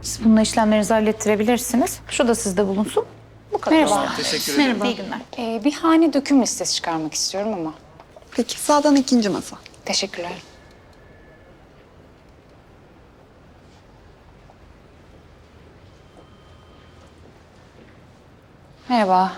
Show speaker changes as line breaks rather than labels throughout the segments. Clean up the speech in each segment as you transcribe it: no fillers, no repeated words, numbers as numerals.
Siz bununla işlemlerinizi hallettirebilirsiniz. Şu da sizde bulunsun. Bu kadar.
Merhaba.
Teşekkür ederim.
Merhaba. İyi günler.
Bir hane döküm listesi çıkarmak istiyorum ama.
Peki sağdan ikinci masa.
Teşekkürler. Merhaba.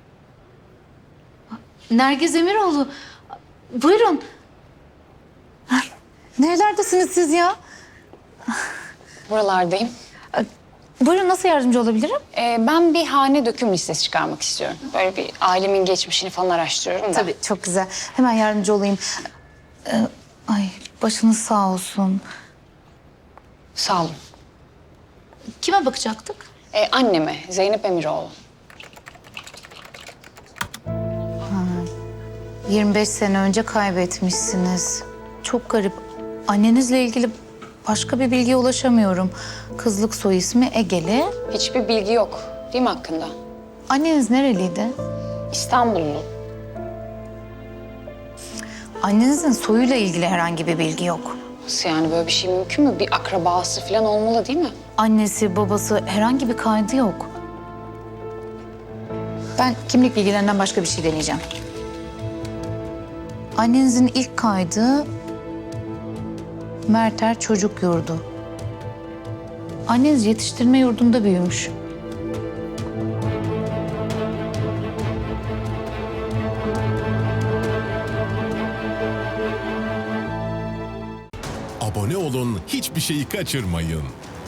Nergiz Emiroğlu. Buyurun. Nerelerdesiniz siz ya?
Buralardayım.
Buyurun, nasıl yardımcı olabilirim?
Ben bir hane döküm listesi çıkarmak istiyorum. Böyle bir ailemin geçmişini falan araştırıyorum da.
Tabii, çok güzel. Hemen yardımcı olayım. Ay, başınız sağ olsun.
Sağ olun.
Kime bakacaktık?
Anneme, Zeynep Emiroğlu.
25 sene önce kaybetmişsiniz. Çok garip. Annenizle ilgili başka bir bilgiye ulaşamıyorum. Kızlık soy ismi Egeli.
Hiçbir bilgi yok değil mi hakkında?
Anneniz nereliydi?
İstanbullu.
Annenizin soyuyla ilgili herhangi bir bilgi yok.
Nasıl yani, böyle bir şey mümkün mü? Bir akrabası falan olmalı değil mi?
Annesi, babası, herhangi bir kaydı yok. Ben kimlik bilgilerinden başka bir şey deneyeceğim. Annenizin ilk kaydı Merter Çocuk Yurdu. Anneniz yetiştirme yurdunda büyümüş.
Abone olun, hiçbir şeyi kaçırmayın.